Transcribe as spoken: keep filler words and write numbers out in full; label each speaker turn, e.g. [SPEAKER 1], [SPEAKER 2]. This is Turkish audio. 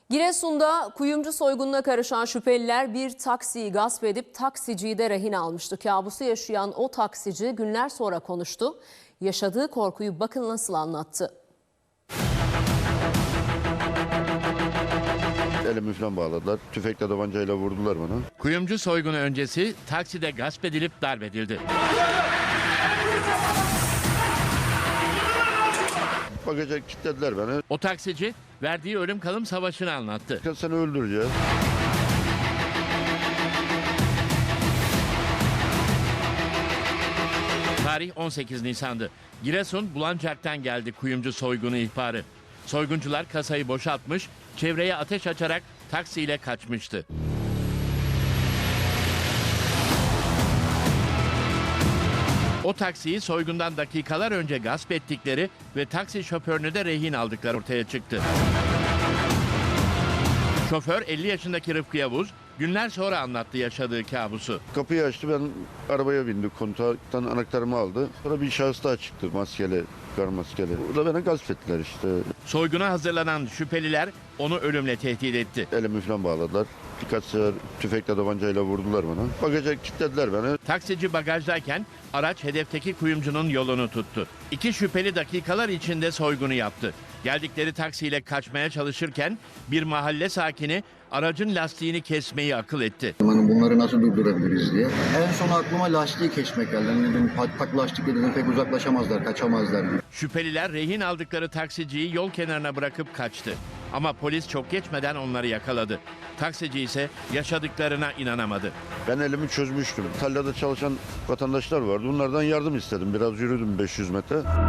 [SPEAKER 1] Giresun'da kuyumcu soygununa karışan şüpheliler bir taksiyi gasp edip taksiciyi de rehin almıştı. Kabusu yaşayan o taksici günler sonra konuştu. Yaşadığı korkuyu bakın nasıl anlattı.
[SPEAKER 2] Elimi falan bağladılar. Tüfekle tabancayla vurdular bana.
[SPEAKER 3] Kuyumcu soygunu öncesi takside gasp edilip darp edildi.
[SPEAKER 2] Bagaja kilitlediler beni.
[SPEAKER 3] O taksici verdiği ölüm kalım savaşını anlattı.
[SPEAKER 2] Seni öldüreceğiz.
[SPEAKER 3] Tarih on sekiz Nisan'dı. Giresun Bulancak'tan geldi kuyumcu soygunu ihbarı. Soyguncular kasayı boşaltmış, çevreye ateş açarak taksiyle kaçmıştı. O taksiyi soygundan dakikalar önce gasp ettikleri ve taksi şoförünü de rehin aldıkları ortaya çıktı. Şoför elli yaşındaki Rıfkı Yavuz günler sonra anlattı yaşadığı kabusu.
[SPEAKER 2] Kapıyı açtı, ben arabaya bindim. Kontaktan anahtarımı aldı. Sonra bir şahıs daha çıktı, maskeli, kar maskeli. O da beni gasp ettiler işte.
[SPEAKER 3] Soyguna hazırlanan şüpheliler onu ölümle tehdit etti.
[SPEAKER 2] Elimi falan bağladılar. Birkaç sefer tüfekle tabancayla vurdular bana. Bagaja kilitlediler beni.
[SPEAKER 3] Taksici bagajdayken araç hedefteki kuyumcunun yolunu tuttu. İki şüpheli dakikalar içinde soygunu yaptı. Geldikleri taksiyle kaçmaya çalışırken bir mahalle sakini aracın lastiğini kesmeyi akıl etti.
[SPEAKER 4] Hani bunları nasıl durdurabiliriz diye. En son aklıma lastiği kesmek geldi. Hani dedim patlak lastikle dedim pek uzaklaşamazlar, kaçamazlar diye.
[SPEAKER 3] Şüpheliler rehin aldıkları taksiciyi yol kenarına bırakıp kaçtı. Ama polis çok geçmeden onları yakaladı. Taksici ise yaşadıklarına inanamadı.
[SPEAKER 2] Ben elimi çözmüştüm. Tarlada çalışan vatandaşlar vardı. Bunlardan yardım istedim. Biraz yürüdüm beş yüz metre.